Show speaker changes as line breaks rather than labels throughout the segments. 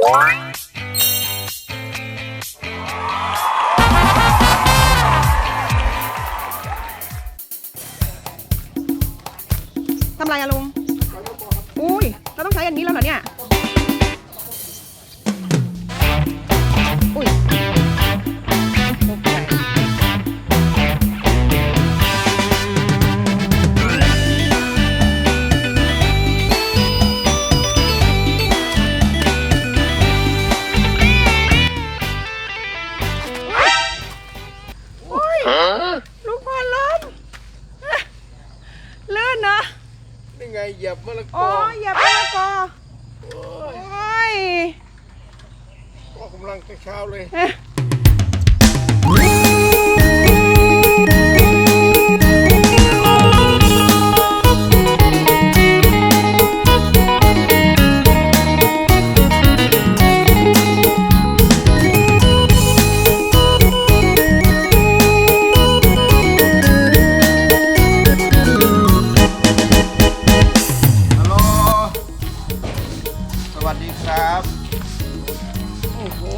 ทำไรอะลุงอุ้ยเราต้องใช้อันนี้แล้วเหรอเนี่ยอุ้ยลูกบอลล้มเลื่อนนะ
นี่ไงเหยียบมะละก
อ๋อ
อ
อย่าไปละกอโอ้ย
ออกกำลังเช้าเลยสวัสดีครับ
โอ้โห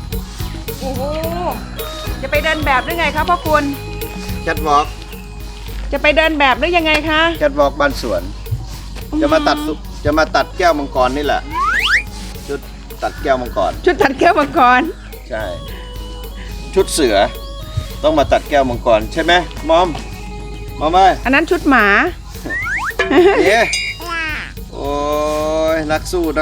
จะไปเดินแบบหรือไงครับพ่อคุณ
แคทวอล์ก
จะไปเดินแบบหรือยังไงคะ
แคทวอล์กบ้านสวน จะมาตัดแก้วมังกรนี่แหละชุดตัดแก้วมังกร
ชุดตัดแก้วมังกร
ใช่ชุดเสือต้องมาตัดแก้วมังกรใช่ไหมมอมไหม
อันนั้นชุดหมา
เย้โอ้ยนักสู้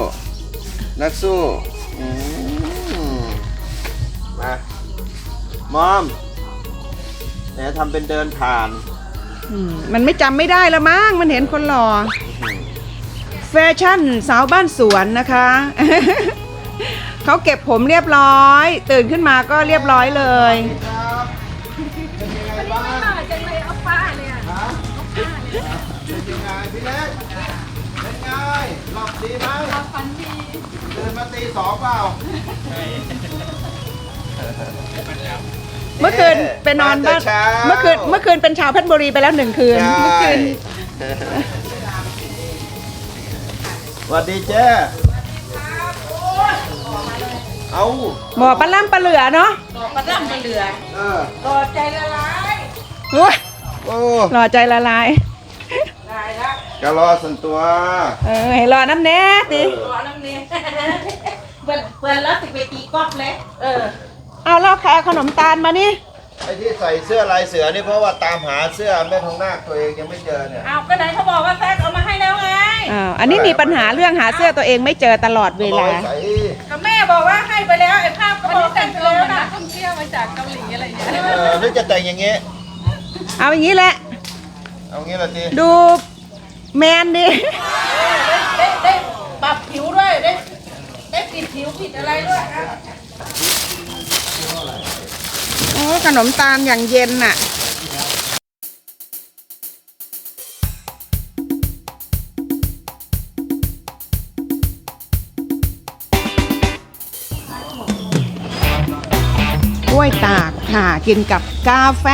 อืมมามอมเนี่ยทำเป็นเดินผ่าน
มันไม่จำไม่ได้แล้วมั้งมันเห็นคนหล่อแฟชั่นสาวบ้านสวนนะคะ เขาเก็บผมเรียบร้อย ตื่นขึ้นมาก็เรียบร้อยเลย
ครับเป็นยังไงบ้างจังเลยเอาป้าเลยอ่ะเป็นยังไงพี่เล็กเป็นไงหลับดีไหมหลับฝันดีตื่นมาตี 2เปล่า
เมื่อคืนไปนอนบ้านเมื่อคืนเป็นชาวเพชรบุรีไปแล้ว1 คืนเมื่อคืน
สวัสดีเจ้เอา
หมอปลาล่ำปลาเหลือเนาะ
ปลาล่ำปลาเหลือ
เออ
ต่อใจละลาย
โอ้ย
โอ้
หล่อใจละลาย
ได้ละ
กะรอสันตัว
ให้รอน้ำแน่ติ
รอน้ำเนียเปิดแล้วติดไปตีก๊อกเลย
เอาแล้วใครเอาขนมตาลมานี่
ไอ้ที่ใส่เสื้อลายเสือนี่เพราะว่าตามหาเสื้อแม่ทองนาคตัวเองยังไม่เจอเนี่ย
เอาก็ไหนเขาบอกว่าแฟกเอามาให้แล้วไง
อันนี้มีปัญหาเรื่องหาเสื้อตัวเองไม่เจอตลอดเวลา
ใส่
ก็แม่บอกว่าให้ไปแล้วไอ้ภาพก็บอกแต่งไปแล้วนะ
ท่องเที่ยวมาจากเกาหลีอะไรอย่างเงี้ย
หรือจะแต่งอย่างเงี้ย
เอาอย่างนี้แหละ
เอางี้ละที
ดูแมนดิ
ได้ปรับผิวด้วยได้ปิดผิวปิดอะไรด้วยนะ
โอ้ขนมตาลอย่างเย็นน่ะกล้วยตากค่ะกินกับกาแฟ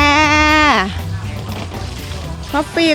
คอฟฟี่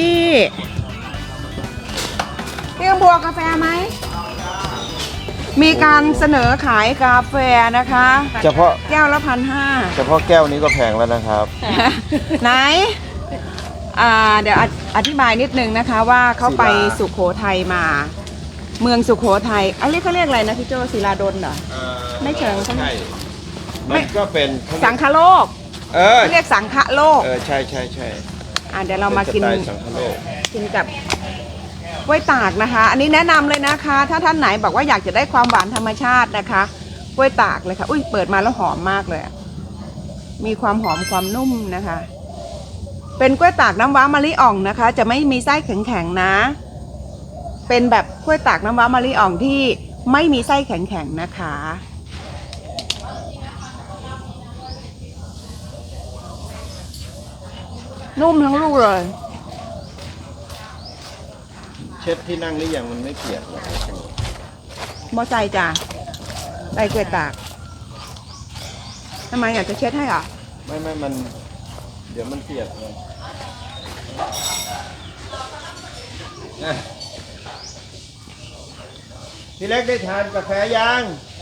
พี่กำบัวกาแฟไหมมีการเสนอขายกาแฟนะคะ
เฉพาะ
แก้วละ1,500
เฉพาะแก้วนี้ก็แพงแล้วนะครับ
ไหนเดี๋ยวอธิบายนิดนึงนะคะว่าเขาไปสุโขทัยมา เมืองสุโขทัยอันนี้เขาเรียกอะไรนะพี่โจศิลาดลเหรอ ไม่เชิงใช่ไหม
มันก็เป็น
สังคโลก เขาเรียกสังฆโลก
ใช่
เดี๋ยวเรามากิน
เป็นสไตล์สังคโลก
กินกับกล้วยตากนะคะ อันนี้แนะนำเลยนะคะ ถ้าท่านไหนบอกว่าอยากจะได้ความหวานธรรมชาตินะคะกล้วยตากเลยค่ะอุ้ยเปิดมาแล้วหอมมากเลยมีความหอมความนุ่มนะคะ เป็นกล้วยตากน้ำว้ามะลิอ่องนะคะ จะไม่มีไส้แข็งๆนะ เป็นแบบกล้วยตากน้ำว้ามะลิอ่องที่ไม่มีไส้แข็งๆนะคะนุ่มทั้งลูกเลย
เช็ดที่นั่งหรือยังมันไม่เปียกหรอก
มอใจจ้ะใส่กล้วยตากทำไมอยากจะเช็ดให้เหรอ
ไม่มันเดี๋ยวมันเปียกเลยพี่เล็กได้ทานกาแฟยัง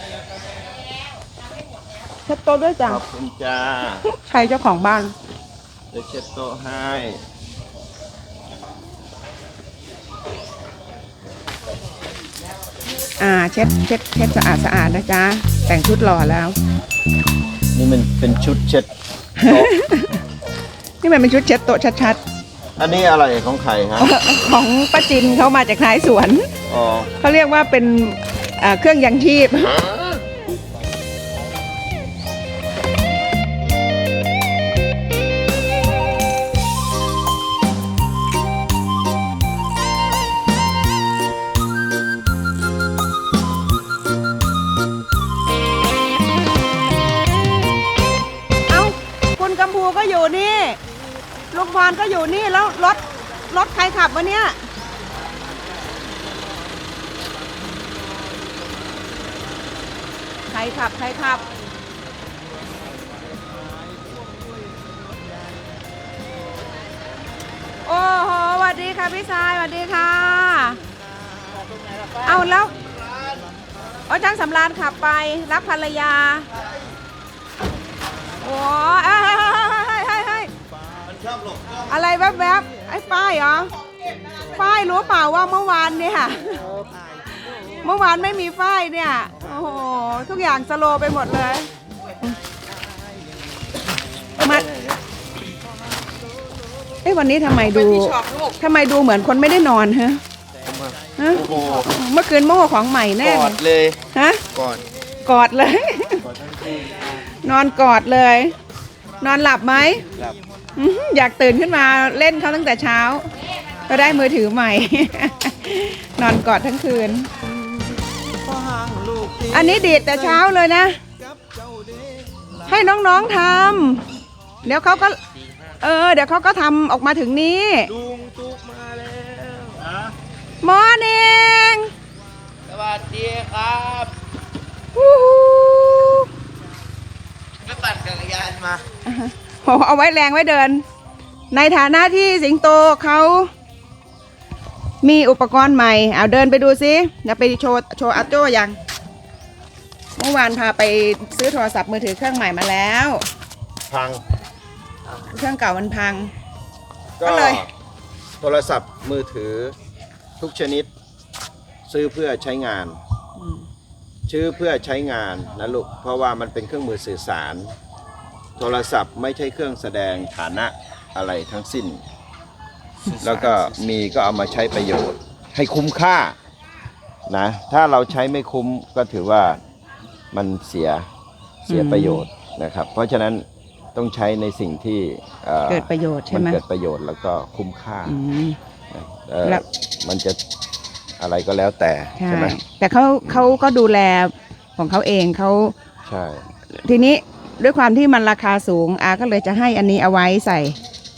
เช็ดโต๊ะด้วยจ้ะ
ขอบคุณจ้า
ใครเจ้าของบ้าน
เดี๋ยวเช็ดโต๊ะให้
เช็ดสะอาดนะจ๊ะแต่งชุดหล่อแล้ว
นี่มันเป็นชุดเช็ดโต๊ะ
นี่มันเป็นชุดเช็ดโต๊ะชัด
อันนี้อะไรของใครฮะ
ๆ ของป้าจินเขามาจากท้ายสวน
อ๋อ
เขาเรียกว่าเป็นเครื่องยังชีพ เอ้าคุณกัมพูก็อยู่นี่ลุงพรก็อยู่นี่แล้วรถใครขับวะเนี่ย ใครขับ โอ้โหสวัสดีค่ะพี่ชายสวัสดีค่ะ เอาแล้วจ้างสำราญขับไปรับภรรยา โอ้เฮ้ย
มันชอบหลบกล้อง
อะไรแวบๆไอ้ป้ายเหรอ ป้ายรู้เปล่าว่าเมื่อวานเนี่ย เมื่อวานไม่มีป้ายเนี่ย โอ้โห ทุกอย่างสโลว์ไปหมดเลย มาวันนี้ทำไมดูเหมือนคนไม่ได้นอนฮะ
โอ้โห
เมื่อคืนโม่ของใหม่แน่
กอดเลย
ฮะ
กอด
กอดเลย นอนกอดเลย นอนหลับไหม
หลับ
อยากตื่นขึ้นมาเล่นเขาตั้งแต่เช้า ก็ได้มือถือใหม่ นอนกอดทั้งคืน อันนี้ดีดแต่เช้าเลยนะ ให้น้องๆทำเดี๋ยวเขาก็เดี๋ยวเขาก็ทำออกมาถึงนี้
ลุงตุ๊กมาแล้ว
มอร์นิ่ง
สวัสดีครับ
วู้ฮู้
ไปปั่นจักรยานมา
โหเอาไว้แรงไว้เดิน ในฐานะที่สิงโตเขามีอุปกรณ์ใหม่ เอาเดินไปดูซิเดี๋ยวไปโชว์อาโจ้ยัง เมื่อวานพาไปซื้อโทรศัพท์มือถือเครื่องใหม่มาแล้ว
พัง
เครื่องเก่ามันพัง ก็
ก็
เลย
โทรศัพท์มือถือทุกชนิด ซื้อเพื่อใช้งาน ชื่อเพื่อใช้งานนะลูก เพราะว่ามันเป็นเครื่องมือสื่อสาร โทรศัพท์ไม่ใช่เครื่องแสดงฐานะอะไรทั้งสิ้น แล้วก็มีก็เอามาใช้ประโยชน์ ให้คุ้มค่านะ ถ้าเราใช้ไม่คุ้มก็ถือว่ามันเสียประโยชน์นะครับ เพราะฉะนั้นต้องใช้ในสิ่งที่
เกิดประโยชน์ใช่
มัน
ไหม
เกิดประโยชน์แล้วก็คุ้มค่า
อืม
นะ
แล้ว
มันจะอะไรก็แล้วแต่
ใช่
ใช่ไหม
แต่เขาก็ดูแลของเขาเองเขา
ใช่
ทีนี้ด้วยความที่มันราคาสูงอาก็เลยจะให้อันนี้เอาไว้ใส่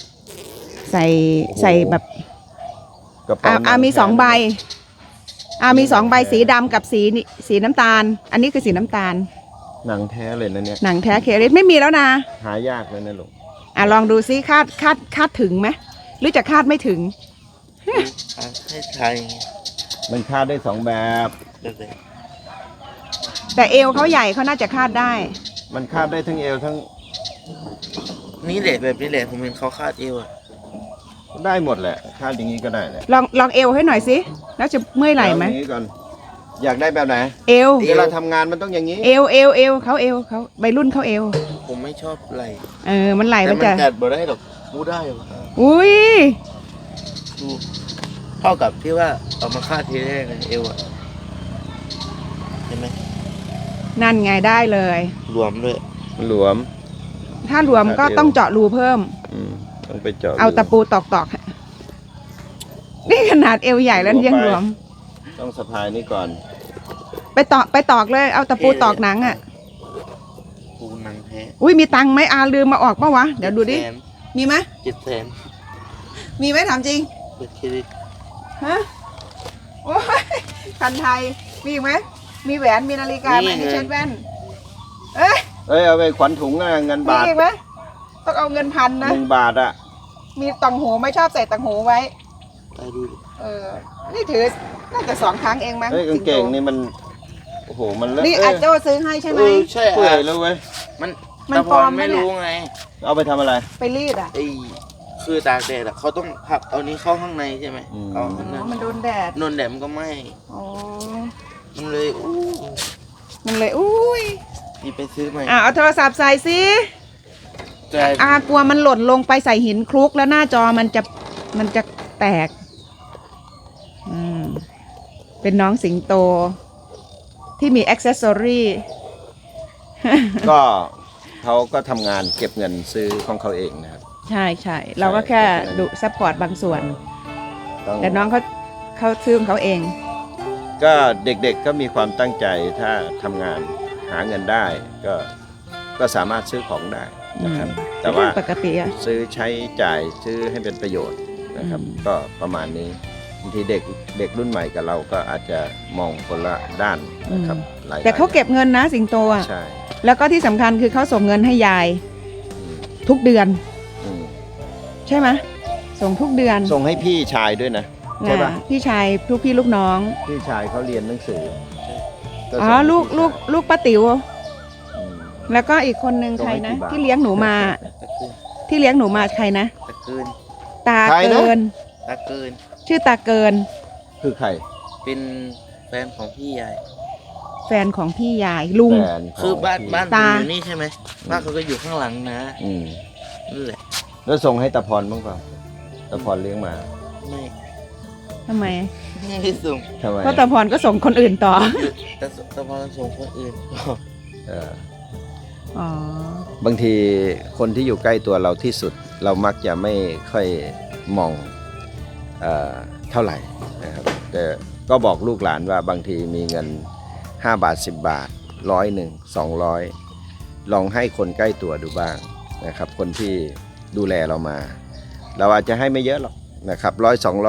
แบบ
กระเป๋าหนัง
มีสองใบมีสองใบสีดำกับสีน้ำตาล อันนี้คือสีน้ำตาล
หนังแท้เลยนะเนี่ย
หนังแท้เคริสไม่มีแล้วนะ
หายากเลยนะลูก
ลองดูซิคาดถึงไหมหรือจะคาดไม่ถึง
ให้ไทย
มันคาดได้สองแบบ
เด็ก
แต่เอวเขาใหญ่เขาน่าจะคาดได้
มันคาดได้ทั้งเอวทั้ง
ๆนี่แหละแบบนี้แหละผมเห็นเขาคาดเอวอะ
ได้หมดแหละคาดอย่างนี้ก็ได้แหละ
ลองเอวให้หน่อยสิแล้วจะเมื่อยไหล่ไหม
เอาอย่างนี้ก่อนอยากได้แบบไหน
เอว
เวลาทำงานมันต้องอย่างนี้
เอวเขาใบรุ่นเขาเอว
ผมไม่ชอบไหล
มันไหล
แต่
มัน
มัน
จะ
กัดบ่ได้หรอกมูได้หรอก
อุ้ย
ดูเท่ากับที่ว่าเอามาคาดทีแรกนะเอวอะเห็นไหม
นั่นไงได้เลย
รวมด้วย
มันหลวม
ถ้ารวมก็ต้องเจาะรูเพิ่ม
ต้องไปเจาะ
เอาตะปูตอกนี่ขนาดเอวใหญ่แล้วยังรวม
ต้องสะพายนี่ก่อน
ไปตอกเลย เอาตะปูตอกหนังอ่ะ
ปูหนังแท้
อุ้ยมีตังค์ไหมลืมมาออกปะวะเดี๋ยวดูดิ มีไหม
700,000
มีไหมถามจริง
เป็นเครดิต
ฮะโอ้ยพันไทยมีอีกไหมมีแหวนมีนาฬิกาไหมมีเช็ดแว่นเอ้ย
เอาไปขวัญถุงนะเงิน
มี
บาท
อีกไหมต้องเอาเงินพันนะ
1 บาทอ่ะ
มีต่างหูไม่ชอบใส่ต่างหูไว้
ไปดูดิ
นี่ถือน่าจะ2 ครั้งเองมั้ง
เฮ้ยกางเกงนี่มันโอ้โหมันเลอะ
นี่อาโจซื้อให้ใช่ไหม
ใช่
เปื่อยแล้วเว้ย
มัน
มัน
ตะพ
ปลอ
ร
มไหม
ไม่
เนี่ย
รู้ไง
เอาไปทำอะไร
ไปรีดอ่ะ
ไอ้คือตากแดดอะเขาต้องพับเอานี้เข้าข้างในใช่ไหม
อืม
เอาข้างใน
มันโดนแดด
นนแดดมันก็ไหม้
อ๋อ
มันเลยอู้
มันเลยอุ้ย
นี่ไปซื้อใหม่
เอาโทรศัพท์ใส่สิ
แต่
กลัวมันหล่นลงไปใส่หินคลุกแล้วหน้าจอมันจะแตกเป็นน้องสิงโต ที่มีอ็อกเซสซอรี่
ก็เขาก็ทำงานเก็บเงินซื้อของเขาเองนะครับ
ใช่ใช่เราก็แค่ดูซัพพอร์ตบางส่วน
ต้อง
แต่น้องเขาซื้อของเขาเอง
ก็เด็กๆก็มีความตั้งใจถ้าทำงานหาเงินได้ก็สามารถซื้อของได้นะครับ แต่ว่า
ปกติอะ
ซื้อใช้จ่ายซื้อให้เป็นประโยชน์นะครับ ก็ประมาณนี้บางทีเด็กรุ่นใหม่กับเราก็อาจจะมองคนละด้านนะครับหลาย
แต่เขาเก็บเงินนะสิงโตอะ
ใช่
แล้วก็ที่สำคัญคือเขาส่งเงินให้ยาย
อืม
ทุกเดือน
อืม
ใช่ไหมส่งทุกเดือน
ส่งให้พี่ชายด้วยนะใช่ปะ
พี่ชายลูกพี่ลูกน้อง
พี่ชายเขาเรียนหนังสือก็
อ๋อ
ส่งให้
ลูก
พี่
ลูก
ชาย
ลูกป้าติ๋ว
อืม
แล้วก็อีกคนนึง
ส่ง
ใคร
ให้
นะ
กี่บาท
ที่เลี้ยงหนูมา
ตะเกิน
ที่เลี้ยงหนูมาใครนะ
ตะเกิน
ตา
ใครนะ
เกิน
ตะเกิน
ชื่อตาเกิน
คือใคร
เป็นแฟนของพี่ยาย
แฟนของพี่ยายลุง
แฟนขง
คือบ้าน
พี่
บ้านผม
ตา
อยู่นี่ใช่ไหมบ้านเขาก็อยู่ข้างหลังนะ
อืม
นั่นแหละ
แล้วส่งให้ตาพรบ้างเปล่าตาพรเลี้ยงมา
ไม่
ทำไม
ไม่ได้ส่ง
ทำไม
เพราะตาพรก็ส่งคนอื่นต่อ
แต่พอส่งคนอื่น
เออ
อ๋อ
บางทีคนที่อยู่ใกล้ตัวเราที่สุด เรามักจะไม่ค่อยมองเท่าไหร่นะครับแต่ก็บอกลูกหลานว่าบางทีมีเงิน5 บาท 10 บาท100 200ลองให้คนใกล้ตัวดูบ้างนะครับ คนที่ดูแลเรามา เราอาจจะให้ไม่เยอะหรอกนะครับ100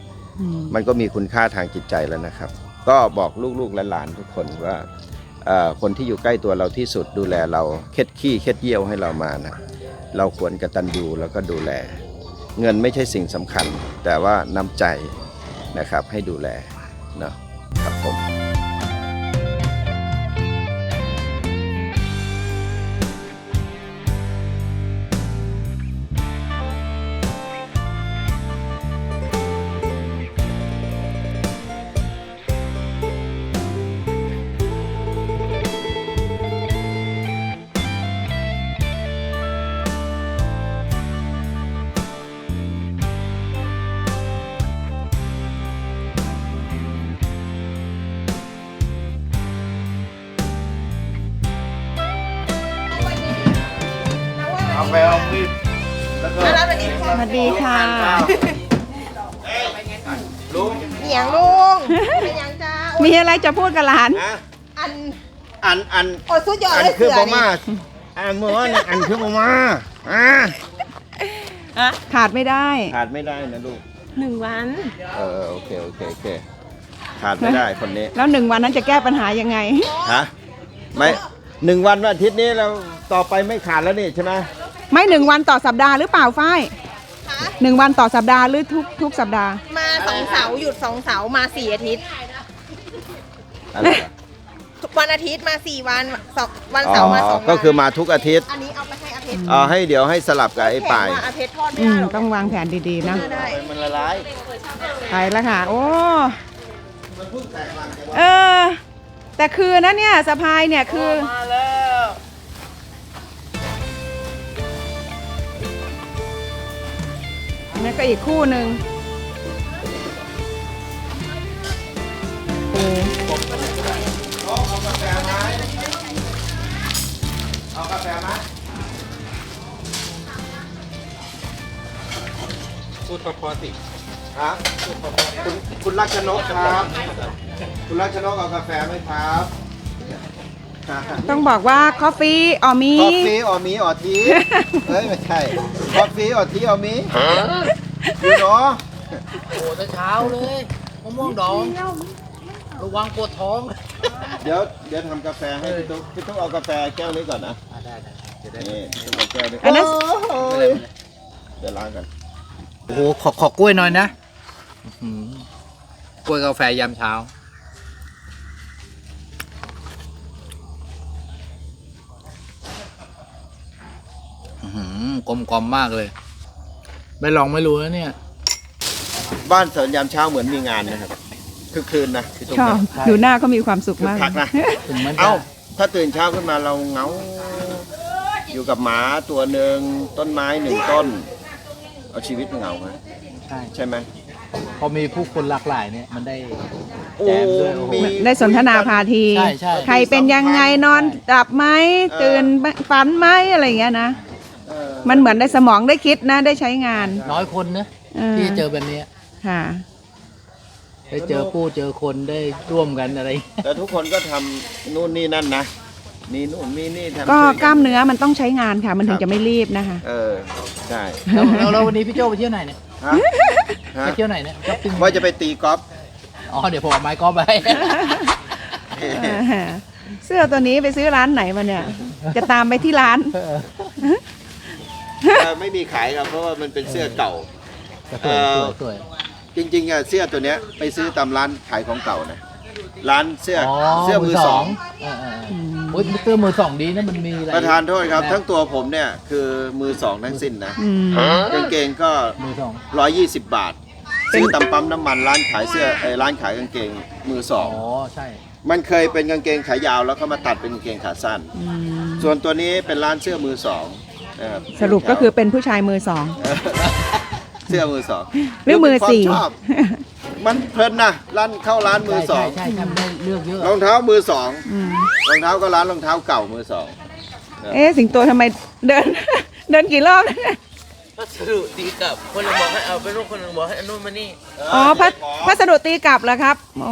200มันก็มีคุณค่าทางจิตใจแล้วนะครับ ก็บอกลูกๆหลานๆทุกคนว่าคนที่อยู่ใกล้ตัวเราที่สุดดูแลเราเค็ดขี้เค็ดเยี่ยวให้เรามานะเราควรกตัญญูแล้วก็ดูแล เงินไม่ใช่สิ่งสำคัญ แต่ว่าน้ำใจนะครับให้ดูแลเนาะครับผม
เอาไปเอามีดแล้วก็
สวัสดีค่ะ
ลุง
เหียงลุงเป็นยังจ้า
มีอะไรจะพูดกับหลาน
อัน
อัน
โอ้สุดยอด
อัน
เลย
คือ
เสือบ
อ
นี่
มาเมื่อวานเนี่ยอันคือบอมา
ขาดไม่ได้
ขาดไม่ได้นะลูก
1 วัน
โอเคขาดไม่ได้คนนี้
แล้ว1 วันนั้นจะแก้ปัญหายังไง
ฮะไม่1 วันอาทิตย์นี้เราต่อไปไม่ขาดแล้วนี่ใช่ไหม
ไม่1 วันต่อสัปดาห์หรือเปล่าฝ้าย1 วันต่อสัปดาห์หรือทุกสัปดาห์
มา2 เสาร์หยุด2 เสาร์มา4 อาทิตย์
อะไรอะ
วันอาทิตย์มา4 วันวัน
อ๋
เสาร์มา
อ
2 วัน
ก็คือมาทุกอาทิตย์
อันนี้เอาไปให้อาเพชร
ให้เดี๋ยวให้สลับกับไอ้ป่าย
แข็งว่าอาเพชรทอดไม่ได้หรอก
ต้องวางแผนดีๆนะ
ได้
มันละลาย
ไปแล้วค่ะ โอ้ แต่คือนะเนี่ยสะพายเนี่ยคือ
มาแล้ว
นี่ก็อีกคู่หนึ่งโอ้
เอากาแฟไหมเอากาแฟไหม
พูดพอสิ
ฮะคุณรักชนกครับ คุณรักชนกเอากาแฟไหมครับ
ต้องบอกว่าคอฟฟี่อ๋อมี
คอฟฟี่ออมีออทีเฮ้ยไม่ใช่คอฟฟี่ออทีออมีอยู่เนาะ
โอ้แต่เช้าเลยมะม่วงดองระวังปวดท้อง
เดี๋ยวทำกาแฟให้พี่ตุ๊กเอากาแฟแก้วนี้ก่อนนะ
ได้จะได้
นี่เอาแก้วนี้
อันนั้น
โอ้ยเดี๋ยวล้างกัน
โอ้โหขอกล้วยหน่อยนะ
กล้วยกาแฟยามเช้า กลมกลอมมากเลย ไม่ลองไม่รู้นะเนี่ย
บ้านสวนยามเช้าเหมือนมีงานนะครับคือคืนนะคือตรง
ชอบ
นี้
ดูหน้าก็มีความสุข
คึก
มาก
คักนะ
ถึงมันจะ
เอ้าถ้าตื่นเช้าขึ้นมาเราเหงาอยู่กับหมาตัวหนึ่งต้นไม้หนึ่งต้น เอาชีวิตเหงาไหม
ใช่
ใช่ไหม
พอมีผู้คนหลากหลายเนี่ย มันได้
โอ้
แจมด้วยโอ้โห
มี
ได้สนทนาพาที
ใช่ใช่
ใครเป็นยังไงนอนหลับไหมตื่นฝันไหมอะไรอย่างเงี้ยนะ
เออ
มันเหมือนได้สมองได้คิดนะ ได้ใช้งาน
น้อยคนนะ
เออ
ที่จะเจอแบบเนี้ย
ค่ะ
ได้เจอผู้เจอคนได้ร่วมกันอะไร
แต่ทุกคนก็ทำนู่นนี่นั่นนะมีนู่นมีนี่ทำ
ก็
ช่วย
กล้ามเนื้อมันต้องใช้งานค่ะ มันถึงจะไม่รีบนะคะ
เออใช่
แล้ววันนี้พี่โจไปเที่ยวไหนเนี่ย
ฮะฮะ
ไปเที่ยวไหนเนี่ยช้อปปิ้ง
ว่าจะไปตีกอล์ฟ
อ๋อเดี๋ยวผมเอาไม้กอล์ฟไป
เสื้อตัวนี้ไปซื้อร้านไหนมาเนี่ย จะตามไปที่ร้าน
ไม่มีขายครับเพราะว่ามันเป็นเสื้อเก่า
สวยสวยสวย
จริงๆอะเสื้อตัวเนี้ยไปซื้อตามร้านขายของเก่านะร้านเสื้อ
อ๋อ
เสื้อมือสอง
โอ้ยเสื้อมือสองดีนะมันมีอะไร
ประธานโทษครับ ทั้งตัวผมเนี่ยคือมือสองทั้งสิ้นนะ
อืม
กางเกงก็
มือสอง
120 บาท ซื้อตามปั๊มน้ำมันร้านขายเสื้อร้านขายกางเกงมือสอ
อ๋
ง
อใช่
มันเคยเป็นกางเกงขายาวแล้วก็มาตัดเป็นกางเกงขาสั้น
อืม
ส่วนตัวนี้เป็นร้านเสื้อมือสองนะครับ
สรุปก็คือเป็นผู้ชายมือสอง
เสื้อมือสอง
หรือมือสี่
เป็นความชอบมันเพลินนะร้านเข้าร้านมือสอง
ใช่ทำได้เลือกเยอะ
รองเท้ามือสอง
อืม
รองเท้าก็ร้านรองเท้าเก่ามือสอง
เอ๊ะสิงโตทำไมเดิน เดินกี่รอบเนี่ย
พัสดุดีกับคนหนึงบอกให้เอาไปนู่นคนหนึงบอกให้เอานู่นมานี่
อ๋อพัสดุตีกลับเหรอครับโอ้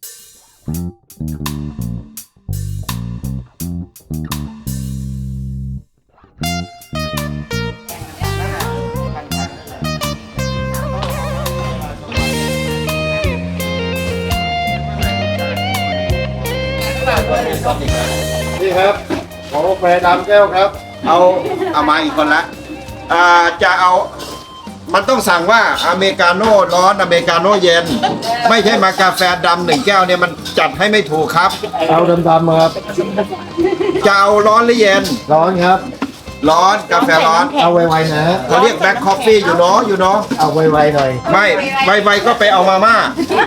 นี่ครับของกาแฟดำแก้วครับ เอามาอีกคนละจะเอามันต้องสั่งว่าอเมริกาโน่ร้อนอเมริกาโน่เย็น ไม่ใช่มากาแฟดำหนึ่งแก้วเนี่ยมันจัดให้ไม่ถูกครับ
เอาดำๆครับ
จะเอาร้อนหรือเย็น
ร้อนครับ
ร้อนกาแฟร้อน
เอาไวๆนะ
เขาเรียกแบล็คคอฟฟี่อยู่เนาะอยู่เนาะ
เอาไวๆหน่อย
ไม่ไวๆก็ไปเอามาม่า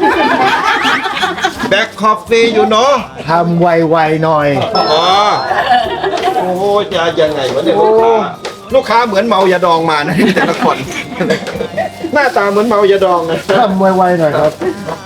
แบล็คคอฟฟี่อยู่เนาะ
ทำไวๆหน่อย
อ๋อโอ้โหจะยังไงวะเนี่ยลูกค้าเหมือนเมายาดองมานะแต่ละคน หน้าตาเหมือนเมายาดองนะ
ทำไวๆหน่อยครับ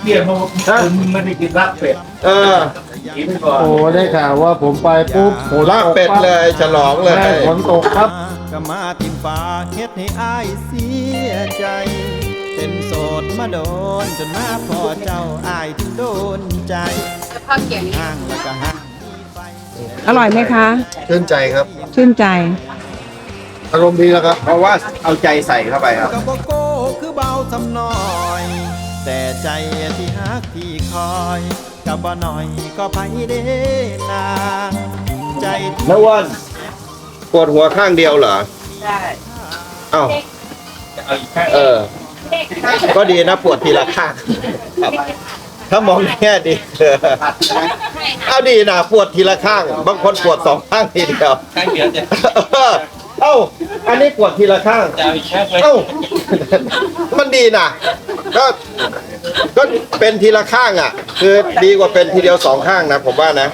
เออ
โอ้ได้ข่าวว่าผมไปปุ๊บฝน
ลาบเป็ดเลยฉลองเลย
ใช่ฝนตกครับ
ก็มาทิมฟ้าเฮ็ดให้อายเสียใจ เป็นโสดมาโดนจนมาพอเจ้าอายถึงโดนใจห่างแล้วก็ห่าง
อร่อยไหมคะ
ชื่นใจครับ
ชื่นใจ
อารมณ์ดีแล้วครับ
เพราะว่าเอาใจใส่เข้าไปครับ
ก็บ่โก้คือเบาสำน้อย แต่ใจที่ฮักที่คอยก็บ่หน่อยก็ไปเด้นางใจที่
แล้ววันปวดหัวข้างเดียวเหรอ ใช่เอ้าเออ ก็ดีนะปวดทีละข้างครับถ้ามองแง่ดีเอาดีนะปวดทีละข้าง บางคนปวดสองข้างทีเดียว
ข้างเดียวจะ
เอ้า อันนี้ปวดทีละข้าง
จะเอาอีกแค่ไป
เอ้า มันดีนะก็เป็นทีละข้างอ่ะ คือดีกว่าเป็นทีเดียวสองข้างนะผมว่านะ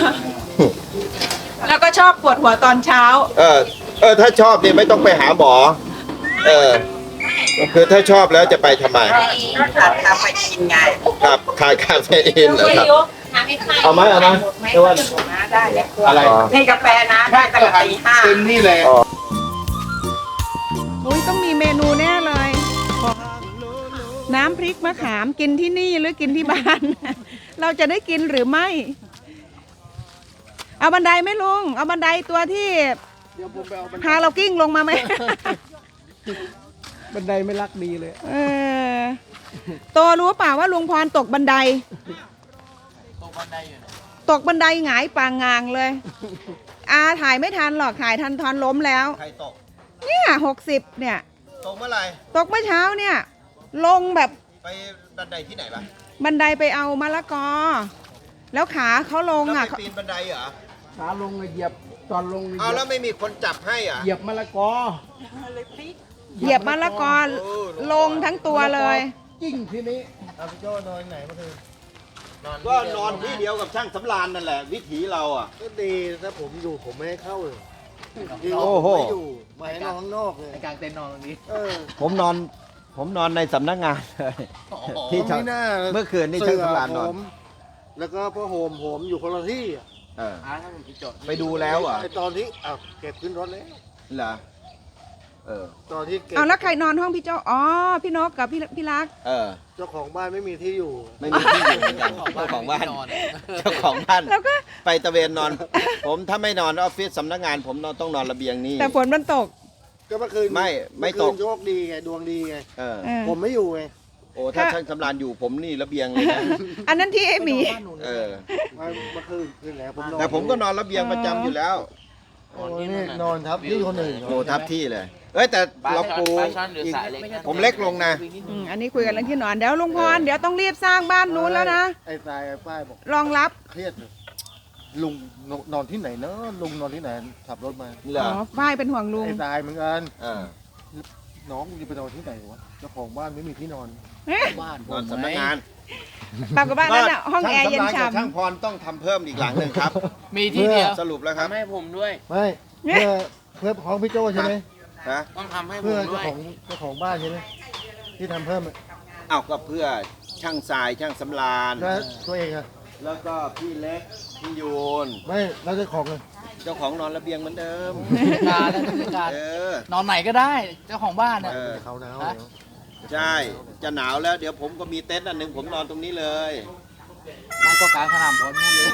แล้วก็ชอบปวดหัวตอนเช้า
ถ้าชอบนี่ไม่ต้องไปหาหมอ คือถ้าชอบแล้วจะไปทำไม
ขาดคาเฟอีนไง
ครับขายคาเฟอีนเหรอครับ เอาไหมเดี๋ยวว่า
ได้เลย
อะไร
ให้กาแฟนะได้ตั้งแต่ตีห้า
เต็มนี่เลย
อุ้ยต้องมีเมนูแน่เลย น้ำพริกมะขามกินที่นี่หรือกินที่บ้าน เราจะได้กินหรือไม่ เอาบันไดไหมลุง เอาบันไดตัวที่พาเรากิ้งลงมาไหม
บันไดไม่รักดีเลย
โตรู้เปล่าว่าลุงพรตกบันได ตกบันไดหงายปางงางเลย ถ่ายไม่ทันหรอกถ่ายทันทอนล้มแล้ว
ใครตก
เนี่ย60เนี่ย
ตกเมื่อไหร่
ตกเมื่อเช้าเนี่ย ลงแบบ
ไปบันไดที่ไหนปะ
บันไดไปเอามะละกอ แล้วขาเขาลง
แล้ว
อ่ะ
ไปปีนบันไดเหรอ
ขาลงเหยียบตอนลง
เอาแล้วไม่มีคนจับให้อ่ะ
เหยียบมะละกอ
เหยียบมะละกอลงทั้งตัวเลย
จิ้งทีนี้
ก็นอนที่เดียวกับช่างสำราญนั่นแหละ วิถีเราอ่ะ
ก็ดีถ้าผมอยู่ผมไม่ให้เข้าเลย
โอ้โห
ไม่อยู่มาให้นอนข้างนอกเลย
ในกลางเต็นท์นอนตรงนี้
ผมนอนในสำนักงานเลยที่
ผมไม่น่า
เมื่อคืนนี่ช่างสำราญนอน
ผมแล้วก็พ่อโฮมผมอยู่คนละที่อะ
เออ
ถ้าผมไปจด
ไปดูแล้วเหรอ่ะ
ไอตอนที่อ้าวเก็บขึ้นรถแล้ว
เหรอเออ
ตอนที่เก็บ
เอาแล้วใครนอนห้องพี่โจอ๋อ พี่นกกับพี่รัก
เออ
เจ้าของบ้านไม่มีที่อยู่
ไม่มีที่อยู่เหมือนกันเจ้าของบ้านเจ้าของบ้าน
แล้วก็
ไปตะเวนนอน ผมถ้าไม่นอนออฟฟิศสำนักงาน ผมต้องนอนระเบียงนี่
แต่ฝนมันตก
ก็เมื่อคืน
ไม่ตก
เอคืนโชคดีไงดวงดีไง
เออ
เออ
ผมไม่อยู่ไง
โอ้ถ้าช่างสำราญอยู่ผมนี่ระเบียงเลยนะ
อันนั้นที่ไอ้หมี
เออ
เมื่อคืนแล้วผมนอน
แต่ผมก็นอนระเบียงประจำอยู่แล้ว
โอ้นี่นอนทับที่คนอื่น
โอ้ทับที่เลย เอ้ยแต่เราปู
ปลาช่อนหรือ
อีก
สายเล็ก
ผมเล็กลงนะ
อันนี้คุยกันเรื่องที่นอน เดี๋ยวลุงพร เดี๋ยวต้องรีบสร้างบ้านนู้นแล้วนะ
ไอ้ตายไอ้ป้ายบอก
รองรับ
เครียดเลยลุงนอนที่ไหนเนอะลุงนอนที่ไหนขับรถมา
เหร
อ๋
อ
อฝ้ายเป็นห่วงลุง
ไอ้ตายเหมือนกัน
เออ
น้องจะไปนอนที่ไหนวะเจ้าของบ้านไม่มีที่นอน
บ้าน
นอนสำนักงาน
ปากกับบ้านนั่นน่ะห้องแอร์เย็น
ช่างสำราญกับช่าง
ฉ่ำ
พรต้องทำเพิ่มอีกหลังหนึ่งครับ
มีที่เดียว
สรุปแล้วครับ
ทำให้ผมด้วย
ไม่เพื่อของพี่โจใช่ไหม
ฮะ
ต้องทำให้ผ
เพื่อ
มด้วย
เจ้าของบ้านใช่ไหมที่ทำเพิ่มอะ
อ้าวก็เพื่อช่างทรายช่างสำราญ
แล้วตัวเองอะ
แล้วก็พี่เล็กพี่ยูน
ไม่แล้วเจ้าของเลย
เจ้าของนอนระเบียงเหมือนเดิม
การและผู้จัดการ
เออ
นอนไหนก็ได้ เจ้าของบ้านเนี่ย
เออ
เขาหนาว
ฮะ
เดี๋ยว
ใช่ จะหนาวแล้วเดี๋ยวผมก็มีเต็นท์อันหนึ่งผมนอนตรงนี้เลย
ไม่ก็กลางสนามบอลนู่นเลย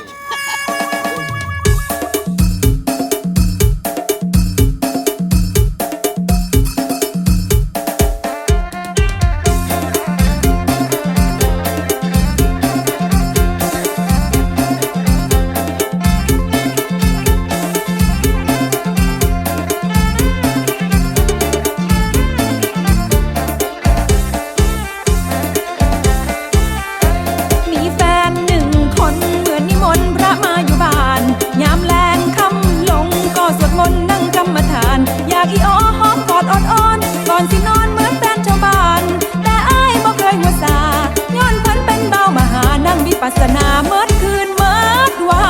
มีแฟนหนึ่งคนเหมือนนิมนต์พระมาอยู่บ้าน ยามแลงค่ำลงก็สวดมนต์นั่งกรรมฐาน อยากอีอ้อหอมกอดอ่อนๆก่อนสินอนเหมือนแฟนชาวบ้าน แต่อ้ายบ่เคยหัวซาย้อนเพิ่นเป็นเบามหานั่งวิปัสสนาเมื่อคืนเมื่อวัน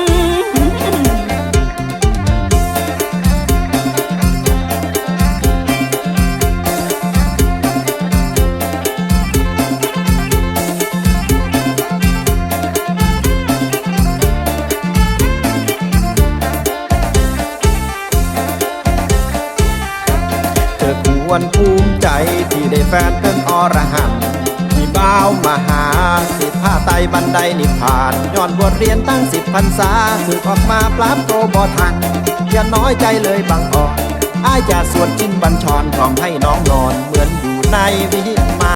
เธอควรภูมิใจที่ได้แฟนเป็นอรหันต์ที่บ้าวมาหาสิผ้าไตบันไดนิพพานย้อนบทเรียนตั้ง10 พรรษาสึกออกมาปราบโตบ่ทันอย่าน้อยใจเลยบางอ่อนอ้ายจะสวดจินบัญชรพร้อมให้น้องนอนเหมือนอยู่ในวิ